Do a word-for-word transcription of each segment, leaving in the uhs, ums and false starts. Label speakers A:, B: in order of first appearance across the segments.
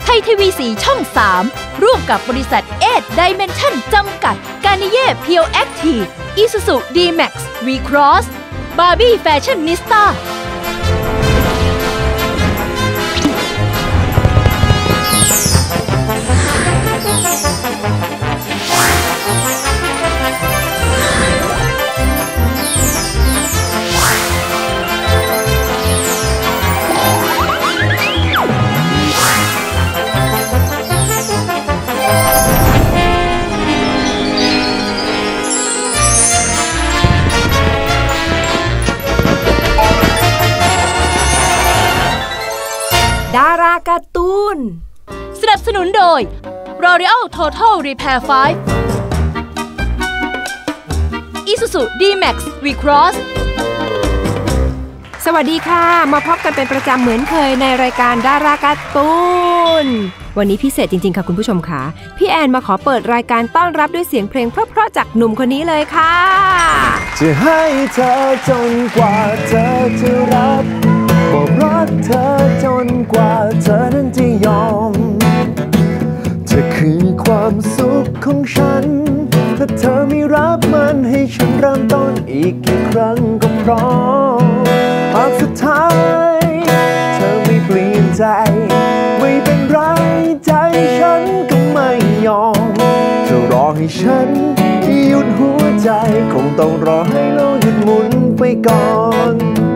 A: ทยทีวีสีช่องสามร่วมกับบริษัทเอทไดเมนชั่นจำกัดกานิเย่เพียวแอคทีฟอิซูซูดีแม็กซ์วีครอสบาร์บี้แฟชั่นนิสต้า
B: ดาราการ์ตูน
A: สนับสนุนโดย L'Oreal Total Repair ไฟว์ Isuzu ดี แม็กซ์ V-Cross
B: สวัสดีค่ะมาพบกันเป็นประจำเหมือนเคยในรายการดาราการ์ตูนวันนี้พิเศษจริงๆค่ะคุณผู้ชมค่ะพี่แอนมาขอเปิดรายการต้อนรับด้วยเสียงเพลงเพราะๆจากหนุ่มคนนี้เลยค่ะ
C: จะให้เธอจนกว่าเธอจะรับบอกรักเธอจนกว่าเธอนั้นจะยอมเธอคือความสุขของฉันถ้าเธอไม่รับมันให้ฉันเริ่มต้นอีกกี่ครั้งก็พร้อมหากสุดท้ายเธอไม่เปลี่ยนใจไม่เป็นไรใจฉันก็ไม่ยอมเธอรอให้ฉันหยุดหัวใจคงต้องรอให้โลกหยุดหมุนไปก่อน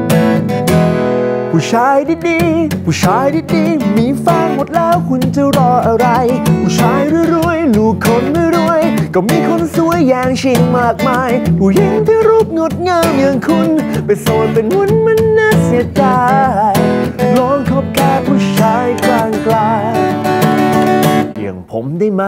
C: ผู้ชายดีๆผู้ชายดีๆมีแฟนหมดแล้วคุณจะรออะไรผู้ชายรวยๆลูกคนไม่รวยก็มีคนสวยอย่างชิงมากมายผู้หญิงที่รูปงดงามอย่างคุณไปโสดเป็นวุ่นมันน่าเสียดายลองคบแค่ผู้ชายกลางกลางอย่างผมได้ไหม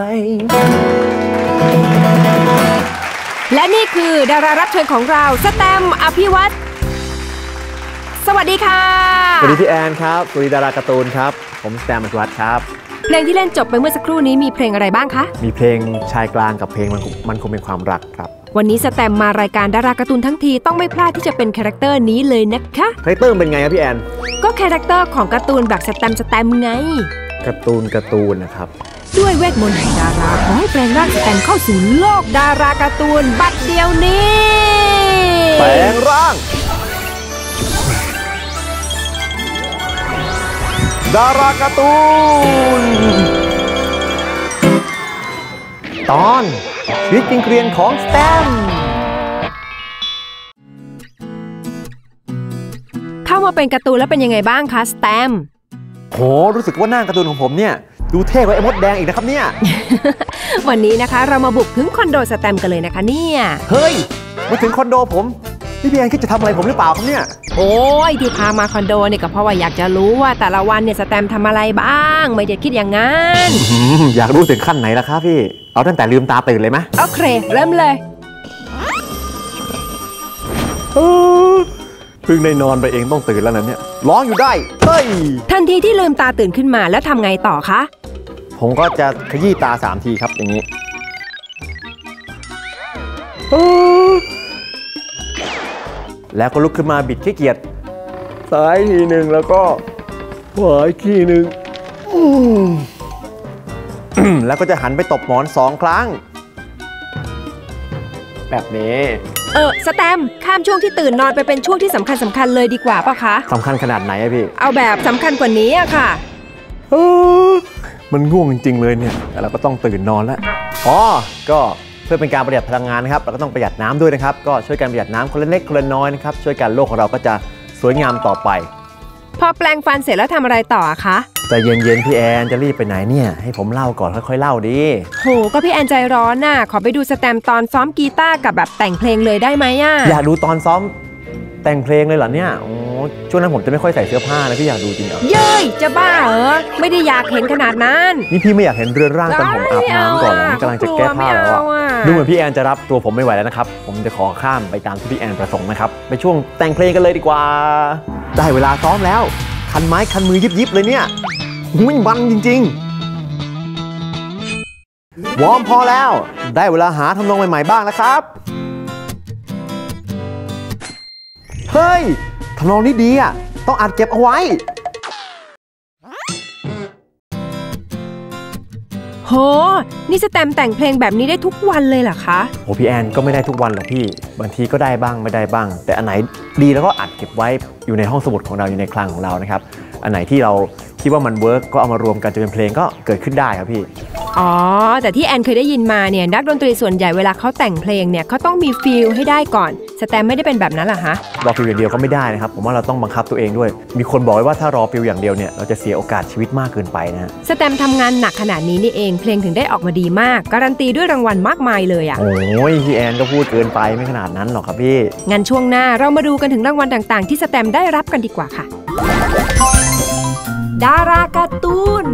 B: และนี่คือดารารับเชิญของเราสแตมป์ อภิวัตรสวัสดีค่ะ
C: สวัสดีพี่แอนครับสวัสดีดาราการ์ตูนครับผมสแตมป์ อภิวัตรครับ
B: เพลงที่เล่นจบไปเมื่อสักครู่นี้มีเพลงอะไรบ้างคะ
C: มีเพลงชายกลางกับเพลงมันมันคงเป็นความรักครับ
B: วันนี้สแตมป์มารายการดาราการ์ตูนทั้งทีต้องไม่พลาดที่จะเป็นคาแรคเตอร์นี้เลยนะคะ
C: คาแรคเตอร์เป็นไงครับพี่แอน
B: ก็คาแรคเตอร์ของการ์ตูนแบบสแตมป์สแตมป์ไง
C: การ์ตูนการ์ตูนนะครับ
B: ด้วยเวทมนต์แห่งดาราขอให้แปลงร่างสแตมป์เข้าสู่โลกดาราการ์ตูนบัดเดียวนี้
C: แปลงร่างดาราการ์ตูนตอนชีวิตจริงเกรียนของสแตมป์
B: เข้ามาเป็นการ์ตูนแล้วเป็นยังไงบ้างคะสแตมป์
C: โหรู้สึกว่าหน้าการ์ตูนของผมเนี่ยดูเท่กว่าไอ้มดแดงอีกนะครับเนี่ย
B: วันนี้นะคะเรามาบุกถึงคอนโดสแตมป์กันเลยนะคะเนี่ย
C: เฮ้ยมาถึงคอนโดผมพี่พี่แอนคิดจะทำอะไรผมหรือเปล่าครับเนี่ย
B: โอ้ยที่พามาคอนโดเนี่ยก็เพราะว่าอยากจะรู้ว่าแต่ละวันเนี่ยสแตมป์ทำอะไรบ้างไม่ได้คิดอย่างนั้น
C: อยากรู้ถึงขั้นไหนล่ะครับพี่เอาตั้งแต่ลืมตาตื่นเลยไหม
B: โอเคเริ่มเลย
C: เพิ่งได้นอนไปเองต้องตื่นแล้วนะเนี่ยร้องอยู่ได้เฮ้ย
B: ทันทีที่ลืมตาตื่นขึ้นมาแล้วทำไงต่อคะ
C: ผมก็จะขยี้ตาสามทีครับอย่างนี้แล้วก็ลุกขึ้นมาบิดขี้เกียจซ้ายทีหนึ่งแล้วก็ขวาอีกทีหนึ่งแล้วก็จะหันไปตบหมอนสองครั้งแบบนี้
B: เออสแตมป์ข้ามช่วงที่ตื่นนอนไปเป็นช่วงที่สำคัญสำคัญเลยดีกว่าป่ะคะ
C: สำคัญขนาดไหนอะพี่
B: เอาแบบสำคัญกว่านี้อะค่ะ
C: มันง่วงจริงๆเลยเนี่ยแต่เราก็ต้องตื่นนอนแล้วอ๋อก็เพื่อเป็นการประหยัดพลังงานนะครับเราก็ต้องประหยัดน้ำด้วยนะครับก็ช่วยกันประหยัดน้ำคนละเล็กคนละน้อยนะครับช่วยกันโลกของเราก็จะสวยงามต่อไป
B: พอแปลงฟันเสร็จแล้วทำอะไรต่อคะ
C: ใจเย็นๆพี่แอนจะรีบไปไหนเนี่ยให้ผมเล่าก่อนค่อยๆเล่าดิ
B: โหก็พี่แอนใจร้อนน่ะขอไปดูสแตมป์ตอนซ้อมกีตาร์กับแบบแต่งเพลงเลยได้ไหมอ่ะ
C: อยากดูตอนซ้อมแต่งเพลงเลยเหรอเนี่ยโอ้ช่วงนั้นผมจะไม่ค่อยใส่เสื้อผ้านะพี่อยากดูจริงเหรอ
B: เย้ยจะบ้าเหรอไม่ได้อยากเห็นขนาดนั้น
C: นี่พี่ไม่อยากเห็นเรือนร่างตอนผมอาบน้ำก่อนนี่กำลังจะแก้ผ้าแล้วดูเหมือนพี่แอนจะรับตัวผมไม่ไหวแล้วนะครับผมจะขอข้ามไปตามที่พี่แอนประสงค์นะครับไปช่วงแต่งเพลงกันเลยดีกว่าได้เวลาซ้อมแล้วคันไม้คันมือยิบๆเลยเนี่ยวิ่งบันจริงๆวอร์มพอแล้วได้เวลาหาทำนองใหม่ๆบ้างแล้วครับเฮ้ยทำนองนี้ดีอ่ะต้องอัดเก็บเอาไว้
B: โหนี่สแตมแต่งเพลงแบบนี้ได้ทุกวันเลยเหรอคะ
C: โอ้พี่แอนก็ไม่ได้ทุกวันหรอกพี่บางทีก็ได้บ้างไม่ได้บ้างแต่อันไหนดีแล้วก็อัดเก็บไว้อยู่ในห้องสมุดของเราอยู่ในคลังของเรานะครับอันไหนที่เราคิดว่ามันเวิร์กก็เอามารวมกันจะเป็นเพลงก็เกิดขึ้นได้ครับพี่
B: อ๋อแต่ที่แอนเคยได้ยินมาเนี่ยนักดนตรีส่วนใหญ่เวลาเขาแต่งเพลงเนี่ยเขาต้องมีฟีลให้ได้ก่อนสแตมไม่ได้เป็นแบบนั้นเหรอฮะ
C: รอฟีลอย่างเดียวก็ไม่ได้นะครับผมว่าเราต้องบังคับตัวเองด้วยมีคนบอกไว้ว่าถ้ารอฟีลอย่างเดียวเนี่ยเราจะเสียโอกาสชีวิตมากเกินไปนะ
B: สแตมทำงานหนักขนาดนี้นี่เองเพลงถึงได้ออกมาดีมากการันตีด้วยรางวัลมากมายเลยอ่ะ
C: โอ้ยพี่แอนก็พูดเกินไปไม่ขนาดนั้นหรอกครับพี่
B: งั้นช่วงหน้าเรามาดูกันถึงรางวัลต่างๆที่สแตมได้รับกันดีกว่าค่ะดาราการ์ตูน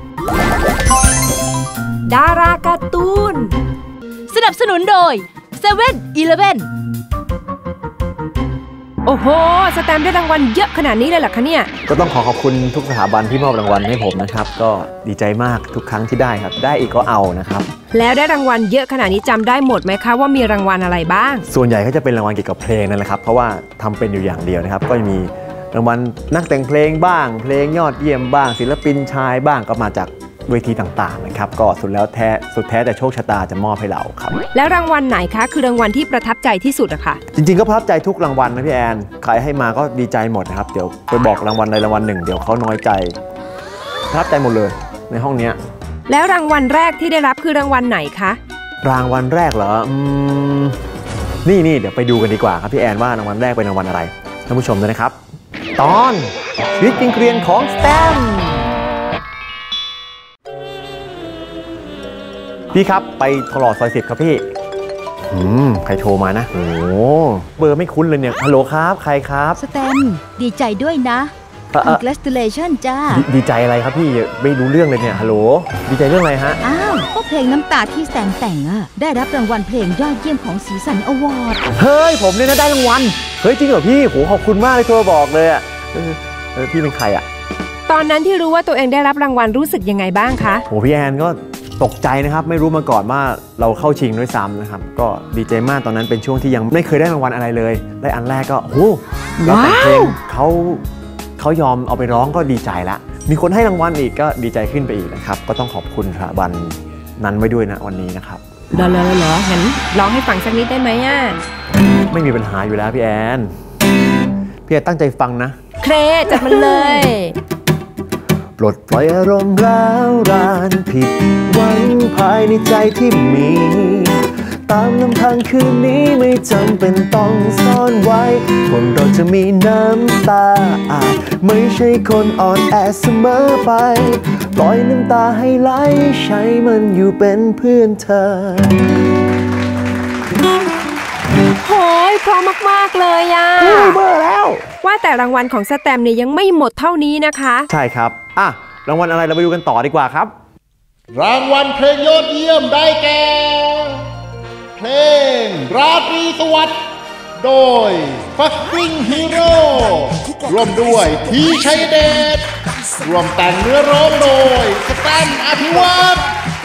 B: ดาราการ์ตูน
A: สนับสนุนโดย เซเว่น อีเลฟเว่น
B: โอ้โหสแตมได้รางวัลเยอะขนาดนี้เลยเหรอคะเนี่ย
C: ก็ต้องขอขอบคุณทุกสถาบันที่มอบรางวัลให้ผมนะครับก็ดีใจมากทุกครั้งที่ได้ครับได้อีกก็เอานะครับ
B: แล้วได้รางวัลเยอะขนาดนี้จำได้หมดไหมคะว่ามีรางวัลอะไรบ้าง
C: ส่วนใหญ่ก็จะเป็นรางวัลเกี่ยวกับเพลงนั่นแหละครับเพราะว่าทำเป็นอยู่อย่างเดียวนะครับก็จะมีรางวัลนักแต่งเพลงบ้างเพลงยอดเยี่ยมบ้างศิลปินชายบ้างก็มาจากเวทีต่างๆนะครับก็สุดแล้วแท้สุดแท้แต่โชคชะตาจะมอบให้เราครับ
B: แล้วรางวัลไหนคะคือรางวัลที่ประทับใจที่สุดอะคะ
C: จริงๆก็ประทับใจทุกรางวัลนะพี่แอนใครให้มาก็ดีใจหมดนะครับเดี๋ยวไปบอกรางวัลใดรางวัลหนึ่งเดี๋ยวเขาน้อยใจประทับใจหมดเลยในห้องนี้
B: แล้วรางวัลแรกที่ได้รับคือรางวัลไหนคะ
C: รางวัลแรกเหรออืมนี่นี่เดี๋ยวไปดูกันดีกว่าครับพี่แอนว่ารางวัลแรกเป็นรางวัลอะไรท่านผู้ชมด้วยนะครับตอนชีวิตจริงเกรียนของสแตมพี่ครับไปตลอดซอยสิบครับพี่อืมใครโทรมานะโอ้เบอร์ไม่คุ้นเลยเนี่ยฮัลโหลครับใครครับ
A: สแตมดีใจด้วยนะ congratulation จ้า
C: ดีใจอะไรครับพี่ไม่รู้เรื่องเลยเนี่ยฮัลโหลดีใจเรื่องอะไรฮะ
A: อ้าวก็เพลงน้ำตาที่สแตมแต่งอะได้รับรางวัลเพลงยอดเยี่ยมของสีสันอวอร์ด
C: เฮ้ยผมเนี่ยนะได้รางวัลเฮ้ยจริงเหรอพี่โหขอบคุณมากเลยโทรบอกเลยอะเออพี่เป็นใครอะ
B: ตอนนั้นที่รู้ว่าตัวเองได้รับรางวัลรู้สึกยังไงบ้างคะ
C: โหพี่แอนก็ตกใจนะครับไม่รู้มาก่อนว่าเราเข้าชิงด้วยซ้ำนะครับก็ดีใจมากตอนนั้นเป็นช่วงที่ยังไม่เคยได้รางวัลอะไรเลยได้อันแรกก็โหแล้วแต่เพลงเขาเขายอมเอาไปร้องก็ดีใจละมีคนให้รางวัลอีกก็ดีใจขึ้นไปอีกนะครับก็ต้องขอบคุณสถาบันนั้นไว้ด้วยนะวันนี้นะครับ
B: เหรอเหรอเหรองั้นร้องให้ฟังสักนิดได้ไหมอ่ะ
C: ไม่มีปัญหาอยู่แล้วพี่แอนพี่แอนตั้งใจฟังนะ
B: เครจัดมันเลย
C: ปลดปล่อยอารมณ์ร้าวรานผิดหวังภายในใจที่มีตามลำพังคืนนี้ไม่จำเป็นต้องซ่อนไว้คนเราจะมีน้ำตาอาจไม่ใช่คนอ่อนแอเสมอไปปล่อยน้ำตาให้ไหลใช้มันอยู่เป็นเพื่อนเธอ
B: โหยพร้อมมากๆเลยอ่ะ
C: เบอร์แล้ว
B: ว่าแต่รางวัลของสแตมเนี่ยยังไม่หมดเท่านี้นะคะ
C: ใช่ครับอ่ะรางวัลอะไรเราไปดูกันต่อดีกว่าครับ
D: รางวัลเพลงยอดเยี่ยมได้แก่เพลงราตรีสวัสดิ์โดย Fucking Hero ร่วมด้วยทีชัยเดชร่วมแต่งเนื้อร้องโดยสแตมป์อภิวัตร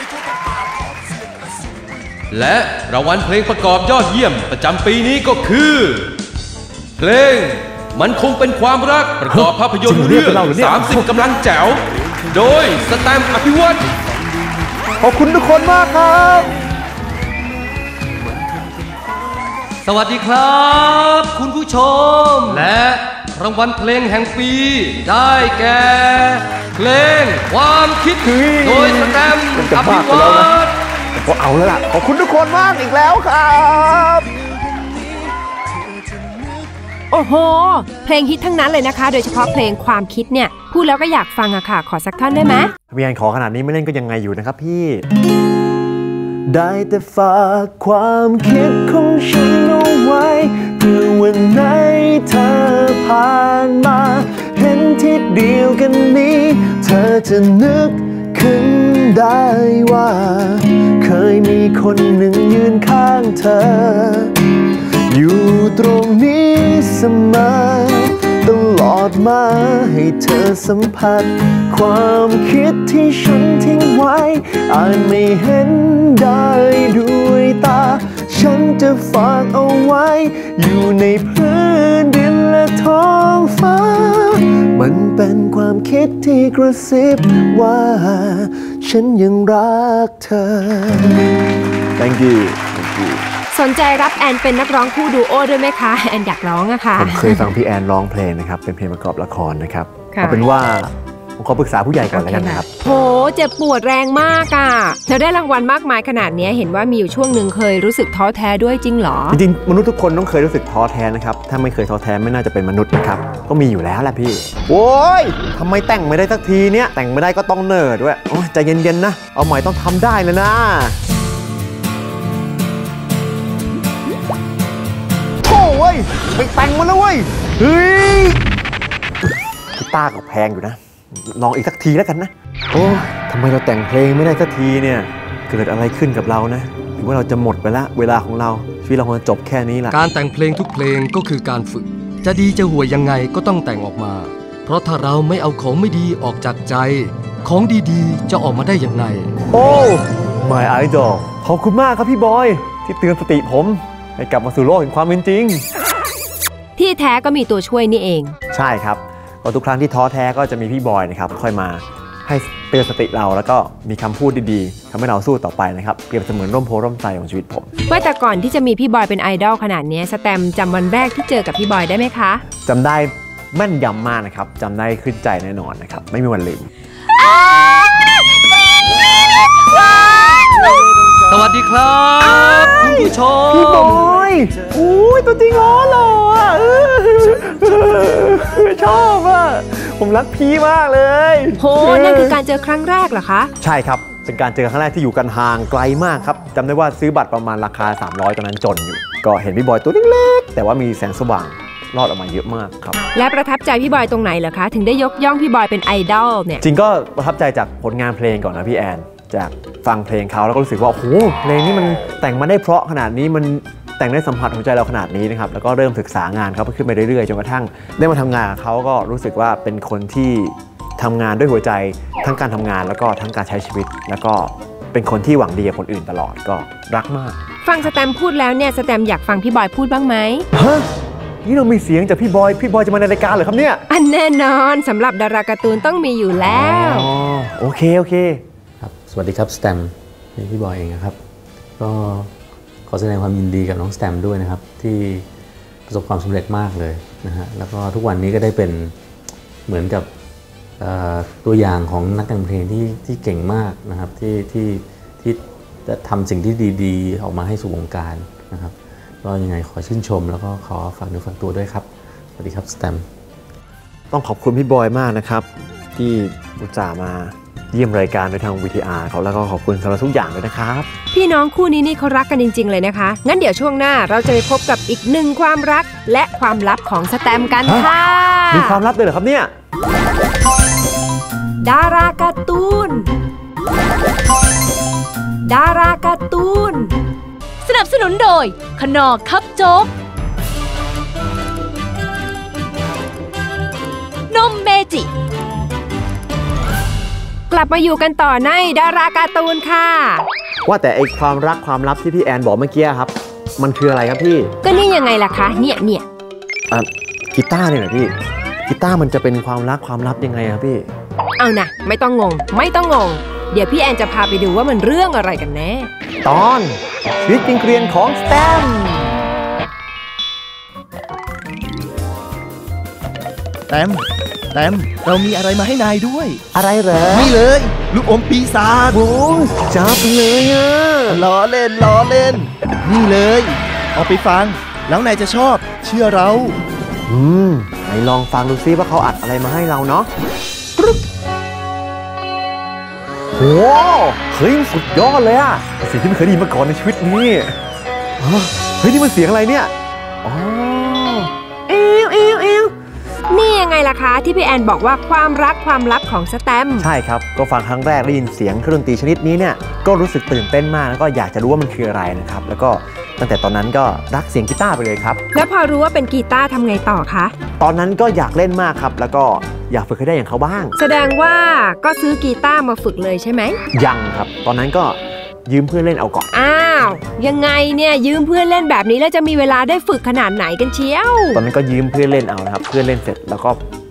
E: และรางวัลเพลงประกอบยอดเยี่ยมประจำปีนี้ก็คือเพลงมันคงเป็นความรักประกอบภาพยนตร์เรื่องสามสิบกำลังแจ๋วโดยสแตมป์อภิวัตร
C: ขอบคุณทุกคนมากครับ
E: สวัสดีครับคุณผู้ชมและรางวัลเพลงแห่งปีได้แก่เพลงความคิดโดยสแตมป์อภิวัตร
C: ก็เอาแล้วล่ะขอบคุณทุกคนมากอีกแล้วครับ
B: โอ้โหเพลงฮิตทั้งนั้นเลยนะคะโดยเฉพาะเพลงความคิดเนี่ยพูดแล้วก็อยากฟังอะค่ะขอสักท่อนได้ไหม
C: พี่แอนขอขนาดนี้ไม่เล่นก็ยังไงอยู่นะครับพี่ได้แต่ฝากความคิดของฉันเอาไว้เพื่อวันไหนเธอผ่านมาเห็นที่เดียวกันนี้เธอจะนึกขึ้นได้ว่าเคยมีคนหนึ่งยืนข้างเธออยู่ตรงนี้เสมอตลอดมาให้เธอสัมผัสความคิดที่ฉันทิ้งไว้อาจไม่เห็นได้ด้วยตาฉันจะฝากเอาไว้อยู่ในพื้นดินและท้องฟ้ามันเป็นความคิดที่กระซิบว่าฉันยังรักเธอ Thank you Thank you
B: สนใจรับแอนเป็นนักร้องคู่ดูโอด้วยไหมคะแอนอยากร้องอะค่ะ
C: ผมเคยฟังพี่แอนร้องเพลงนะครับเป็นเพลงประกอบละครนะครับ
B: ค่ะ
C: เอาเป็นว่าผมขอปรึกษาผู้ใหญ่ก่อนแล้วกันนะครับ
B: โหเจ็บปวดแรงมากอะแล้วได้รางวัลมากมายขนาดนี้เห็นว่ามีอยู่ช่วงหนึ่งเคยรู้สึกท้อแท้ด้วยจริงเหรอ
C: จริงๆมนุษย์ทุกคนต้องเคยรู้สึกท้อแท้นะครับถ้าไม่เคยท้อแท้ไม่น่าจะเป็นมนุษย์นะครับก็มีอยู่แล้วแหละพี่โว้ยทำไมแต่งไม่ได้สักทีเนี้ยแต่งไม่ได้ก็ต้องเนิร์ดด้วยโอ้ยใจเย็นๆนะเอาใหม่ต้องทำได้เลยนะโถ่เว้ยไปแต่งมันแล้วเว้ยเฮ้ยกีตาร์ก็แพงอยู่นะลองอีกสักทีแล้วกันนะโอ้ทำไมเราแต่งเพลงไม่ได้สักทีเนี่ยเกิดอะไรขึ้นกับเรานะหรือว่าเราจะหมดไปละเวลาของเราชีวิตเราคงจะจบแค่นี้ละ
F: การแต่งเพลงทุกเพลงก็คือการฝึกจะดีจะห่วยยังไงก็ต้องแต่งออกมาเพราะถ้าเราไม่เอาของไม่ดีออกจากใจของดีๆจะออกมาได้อย่างไร
C: โอ้ My Idol ขอบคุณมากครับพี่บอยที่เตือนสติผมให้กลับมาสู่โลกแห่งความเป็นจริง
B: ที่แท้ก็มีตัวช่วยนี่เอง
C: ใช่ครับก็ทุกครั้งที่ท้อแท้ก็จะมีพี่บอยนะครับค่อยมาให้เตือนสติเราแล้วก็มีคำพูดดีๆทำให้เราสู้ต่อไปนะครับเปรียบเสมือนร่มโพร่มไทรของชีวิตผม
B: ว่าแต่ก่อนที่จะมีพี่บอยเป็นไอดอลขนาดนี้สแตมจำวันแรกที่เจอกับพี่บอยได้ไหมคะ
C: จำได้แม่นยำมากนะครับจำได้ขึ้นใจแน่นอนนะครับไม่มีวันลืม
F: สวัสดีครับคุณผู้ชม
C: พี่บอยอุ้ยตัวจริงอ๋อหล่ออ่ะชอบอ่ะผมรักพี่มากเลย
B: โหนั่นคือการเจอครั้งแรกเหรอคะ
C: ใช่ครับเป็นการเจอครั้งแรกที่อยู่กันห่างไกลมากครับจำได้ว่าซื้อบัตรประมาณราคาสามร้อยตอนนั้นจนอยู่ก็เห็นพี่บอยตัวเล็กๆแต่ว่ามีแสงสว่างรอดออกมาเยอะมากครับ
B: และประทับใจพี่บอยตรงไหนเหรอคะถึงได้ยกย่องพี่บอยเป็นไอดอลเนี่ย
C: จริงก็ประทับใจจากผลงานเพลงก่อนนะพี่แอนจากฟังเพลงเขาแล้วก็รู้สึกว่าโอ้โหเพลงนี้มันแต่งมาได้เพราะขนาดนี้มันแต่งได้สัมผัสหัวใจเราขนาดนี้นะครับแล้วก็เริ่มศึกษางานเขาขึ้นไปเรื่อยๆจนกระทั่งได้มาทำงานกับเขาก็รู้สึกว่าเป็นคนที่ทำงานด้วยหัวใจทั้งการทำงานแล้วก็ทั้งการใช้ชีวิตแล้วก็เป็นคนที่หวังดีกับคนอื่นตลอดก็รักมาก
B: ฟังสแตมพูดแล้วเนี่ยสแตมอยากฟังพี่บอยพูดบ้างไหม
C: ฮะนี่เรามีเสียงจากพี่บอยพี่บอยจะมาในรายการเหรอครับเนี่ย
B: อันแน่นอนสำหรับดาราการ์ตูนต้องมีอยู่แล้ว
C: อ๋อโอเคโอเค
G: ครับสวัสดีครับสแตมนี่พี่บอยเองนะครับก็ขอแสดงความยินดีกับน้องสแตมด้วยนะครับที่ประสบความสำเร็จมากเลยนะฮะแล้วก็ทุกวันนี้ก็ได้เป็นเหมือนกับตัวอย่างของนักแต่งเพลงที่ที่เก่งมากนะครับที่ที่ที่จะทำสิ่งที่ดีๆออกมาให้สู่วงการนะครับก็ยังไงขอชื่นชมแล้วก็ขอฝากเนื้อฝากตัวด้วยครับสวัสดีครับสแตม
C: ต้องขอบคุณพี่บอยมากนะครับที่อุตส่าห์มาเยี่ยมรายการโดยทาง วี ที อาร์ เขาแล้วก็ขอบคุณสำหรับทุกอย่างเลยนะครับ
B: พี่น้องคู่นี้นี่เขารักกันจริงๆเลยนะคะงั้นเดี๋ยวช่วงหน้าเราจะไปพบกับอีกหนึ่งความรักและความลับของสแตมกันค่ะ
C: มีความลับด้วยเหรอครับเนี่ย
B: ดาราการ์ตูนดาราการ์ตูน
A: สนับสนุนโดยขนอคับโจ๊กนมเมจิ
B: กลับมาอยู่กันต่อในดาราการ์ตูนค่ะ
C: ว่าแต่ไอความรักความลับที่พี่แอนบอกเมื่อกี้ครับมันคืออะไรครับพี่
B: ก็นี่ยังไงล่ะคะเนี่ยเนี่ย
C: อ่ะกีตาร์เนี่ยนะพี่กีตาร์มันจะเป็นความรักความลับยังไงครับพี่
B: เอานะไม่ต้องงงไม่ต้องงงเดี๋ยวพี่แอนจะพาไปดูว่ามันเรื่องอะไรกันแน่
C: ตอนชีวิตจริงเกรียนของสแตม
H: แตมแตมเรามีอะไรมาให้นายด้วย
C: อะไรเหรอ
H: นี่เลยลูกอมปีศาจ
C: โอ้จับเลยอ่ะ
H: ล้อเล่นล้อเล่นนี่เลยเอาไปฟังแล้วนายจะชอบเชื่อเรา
C: อืมไหนลองฟังดูซิว่าเขาอัดอะไรมาให้เราเนาะโอ้เฮ้ยสุดยอดเลยอะเสียงที่ไม่เคยได้ยินมาก่อนในชีวิตนี้เฮ้ยนี่มันเสียงอะไรเนี่ยอ๋อเอวเอวเอว
B: นี่ยังไงล่ะคะที่พี่แอนบอกว่าความรักความลับของสแตม
C: ใช่ครับก็ฟังครั้งแรกได้ยินเสียงเครื่องดนตรีชนิดนี้เนี่ยก็รู้สึกตื่นเต้นมากแล้วก็อยากจะรู้ว่ามันคืออะไรนะครับแล้วก็ตั้งแต่ตอนนั้นก็รักเสียงกีตาร์ไปเลยครับ
B: แล้วพอรู้ว่าเป็นกีตาร์ทำไงต่อคะ
C: ตอนนั้นก็อยากเล่นมากครับแล้วก็อยากฝึกให้ได้อย่างเขาบ้าง
B: แสดงว่าก็ซื้อกีตาร์มาฝึกเลยใช่ไหม
C: ยังครับตอนนั้นก็ยืมเพื่อนเล่นเอาก่อน
B: อ้าวยังไงเนี่ยยืมเพื่อนเล่นแบบนี้แล้วจะมีเวลาได้ฝึกขนาดไหนกันเชียว
C: ตอนนั้นก็ยืมเพื่อนเล่นเอานะครับเพื่อนเล่นเสร็จแล้วก็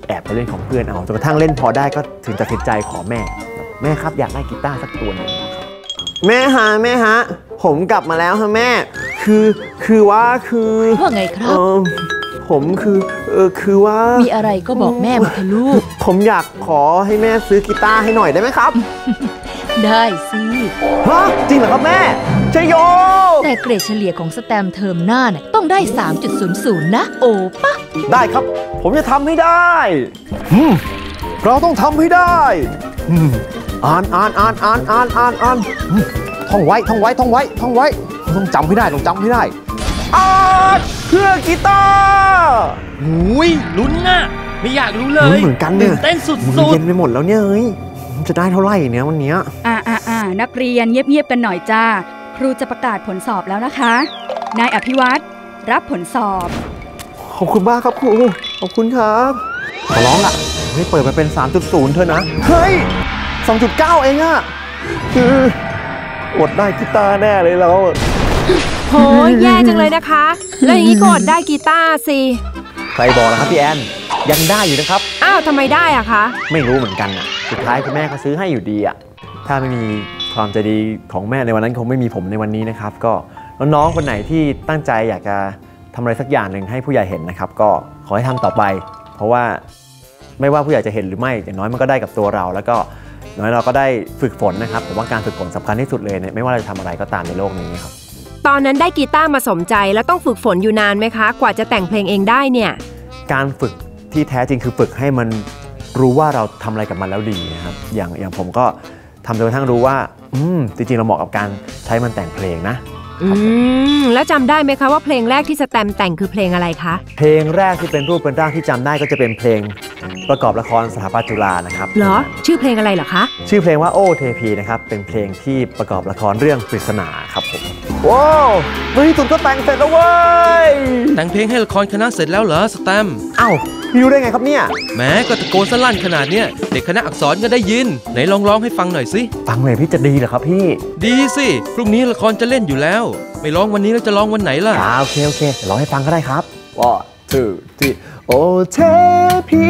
C: แอบไปเล่นของเพื่อนเอาจนกระทั่งเล่นพอได้ก็ถึงตัดสินใจขอแม่แม่ครับอยากได้กีตาร์สักตัวหนึ่งครับแม่ฮะแม่ฮะผมกลับมาแล้วฮะแม่คือคือว่าคือ
A: ว่าไงครับ
C: เออผมคือเออคือว่า
A: มีอะไรก็บอกแม่มาเถอะลูก
C: ผมอยากขอให้แม่ซื้อกีตาร์ให้หน่อยได้ไหมครับ
A: ได้สิ
C: ฮะจริงเหรอครับแม่ชัยโย
A: แต่เกรดเฉลี่ยของสแตมเทอมหน้าเนี่ยต้องได้ สามจุดศูนย์ศูนย์ นะโอปะ
C: ได้ครับผมจะทำให้ได้เราต้องทำให้ได้อ่านอ่านอ่านอ่านอ่านอ่านอ่านท่องไว้ท่องไว้ท่องไว้ท่องไว้ต้องจำให้ได้ต้องจำให้ได้อ่านเครื่องกีตาร์
I: หุยลุ้นน่ะไม่อยากรู้เลย
C: เหมือนกันเนี่ย
I: เต้นสุด
C: ๆเย็นไปหมดแล้วเนี่ยเฮ้ยจะได้เท่าไหร่เนี่ยวันนี้
J: อ่าอ่าอ่านักเรียนเงียบๆกันหน่อยจ้าครูจะประกาศผลสอบแล้วนะคะนายอภิวัตรรับผลสอบ
C: ขอบคุณมากครับครูขอบคุณครับขอร้องอ่ะให้เปิดมาเป็น สามจุดศูนย์ เถอะนะเฮ้ย สองจุดเก้า เองอ่ะอดได้กีตาร์แน่เลยเรา
B: โหแย่จังเลยนะคะแล้วอย่างนี้ก็อดได้กีตาร์สิ
C: ใครบอกล่ะครับพี่แอนยังได้อยู่นะครับ
B: อ้าวทำไมได้อะคะ
C: ไม่รู้เหมือนกันอ่ะสุดท้ายคุณแม่ก็ซื้อให้อยู่ดีอ่ะถ้าไม่มีความใจดีของแม่ในวันนั้นคงไม่มีผมในวันนี้นะครับก็น้องๆคนไหนที่ตั้งใจอยากจะทำอะไรสักอย่างหนึ่งให้ผู้ใหญ่เห็นนะครับก็ขอให้ทำต่อไปเพราะว่าไม่ว่าผู้ใหญ่จะเห็นหรือไม่อย่างน้อยมันก็ได้กับตัวเราแล้วก็น้อยเราก็ได้ฝึกฝนนะครับผมว่าการฝึกฝนสำคัญที่สุดเลยเนี่ยไม่ว่าเราจะทำอะไรก็ตามในโลกนี้ครับ
B: ตอนนั้นได้กีตาร์มาสมใจแล้วต้องฝึกฝนอยู่นานไหมคะกว่าจะแต่งเพลงเองได้เนี่ย
C: การฝึกที่แท้จริงคือฝึกให้มันรู้ว่าเราทำอะไรกับมันแล้วดีนะครับอย่างอย่างผมก็ทำจนกระทั่งรู้ว่าอืมจริงๆเราเหมาะกับการใช้มันแต่งเพลงนะ
B: อืมแล้วจำได้ไหมคะว่าเพลงแรกที่สแตมแต่งคือเพลงอะไรคะ
C: เพลงแรกที่เป็นรูปเป็นร่างที่จำได้ก็จะเป็นเพลงประกอบละครสถาปัตย์จุฬานะครับ
B: เหรอชื่อเพลงอะไรเหรอคะ
C: ชื่อเพลงว่าโอ้เทพีนะครับเป็นเพลงที่ประกอบละครเรื่องปริศนาครับผมว้าวในที่สุดก็แต่งเสร็จแล้วเว้ย
E: แต่งเพลงให้ละครคณะเสร็จแล้วเหรอสแตม
C: เอ้าพี่รู้ได้ไงครับเนี่ย
E: แม้ก็ตะโกนสลั่นขนาดเนี้ยเด็กคณะอักษรก็ได้ยินไหนลองร้องให้ฟังหน่อยสิ
C: ฟังเลยพี่จะดีเหรอครับพี่
E: ดีสิพรุ่งนี้ละครจะเล่นอยู่แล้วไม่ร้องวันนี้แล้วจะร้องวันไหนล่ะ
C: อ่าโอเคโอเคร้องให้ฟังก็ได้ครับว่าทูที่โอเทพี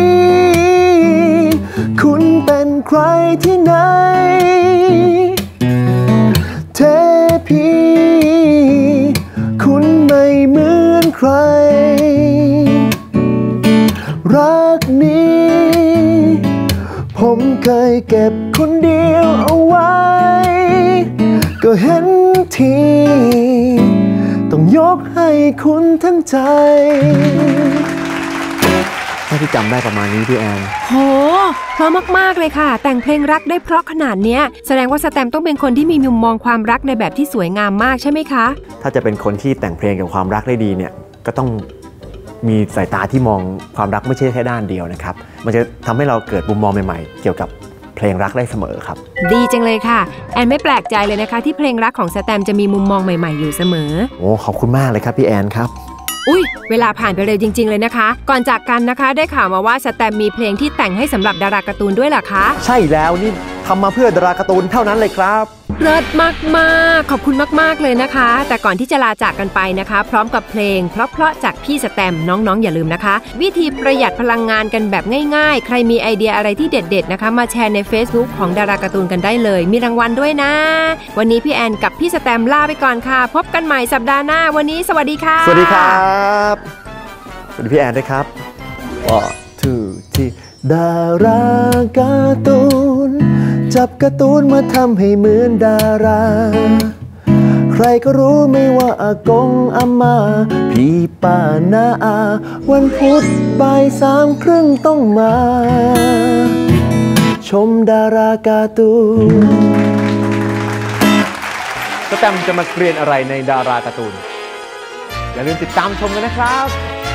C: คุณเป็นใครที่ไหนเทพีคุณไม่เหมือนใครรักนี้ผมเคยเก็บคนเดียวเอาไว้ก็เห็นทีต้องยกให้คุณทั้งใจถ้าที่จำได้ประมาณนี้พี่แอน
B: โหเพราะมากๆเลยค่ะแต่งเพลงรักได้เพราะขนาดเนี้ยแสดงว่าสแตมต้องเป็นคนที่มีมุมมองความรักในแบบที่สวยงามมากใช่ไหมคะ
C: ถ้าจะเป็นคนที่แต่งเพลงกับความรักได้ดีเนี่ยก็ต้องมีสายตาที่มองความรักไม่ใช่แค่ด้านเดียวนะครับมันจะทำให้เราเกิดมุมมองใหม่ๆเกี่ยวกับเพลงรักได้เสมอครับ
B: ดีจังเลยค่ะแอนไม่แปลกใจเลยนะคะที่เพลงรักของสแตมจะมีมุมมองใหม่ๆอยู่เสมอ
C: โอ้ขอบคุณมากเลยครับพี่แอนครับ
B: อุ้ยเวลาผ่านไปเร็วจริงๆเลยนะคะก่อนจากกันนะคะได้ข่าวมาว่าสแตมมีเพลงที่แต่งให้สำหรับดาราการ์ตูนด้วยเหรอคะ
C: ใช่แล้วนี่ทำมาเพื่อดาราการ์ตูนเท่านั้นเลยครับ
B: เลิศมากๆขอบคุณมากๆเลยนะคะแต่ก่อนที่จะลาจากกันไปนะคะพร้อมกับเพลงเพราะๆจากพี่สแตมน้องๆอย่าลืมนะคะวิธีประหยัดพลังงานกันแบบง่ายๆใครมีไอเดียอะไรที่เด็ดๆนะคะมาแชร์ใน Facebook ของดาราการ์ตูนกันได้เลยมีรางวัลด้วยนะวันนี้พี่แอนกับพี่สแตมลาไปก่อนค่ะพบกันใหม่สัปดาห์หน้าวันนี้สวัสดีค่ะ
C: สวัสดีครับสวัสดีพี่แอนด้วยครับอ๋อทูที่ดาราการ์ตูนจับการ์ตูนมาทำให้เหมือนดาราใครก็รู้ไม่ว่าอากงอาม่าพี่ป้าน้าอาวันพุธบ่ายสามครึ่งต้องมาชมดาราการ์ตูนสแตมจะมาเรียนอะไรในดาราการ์ตูนอย่าลืมติดตามชมกันนะครับ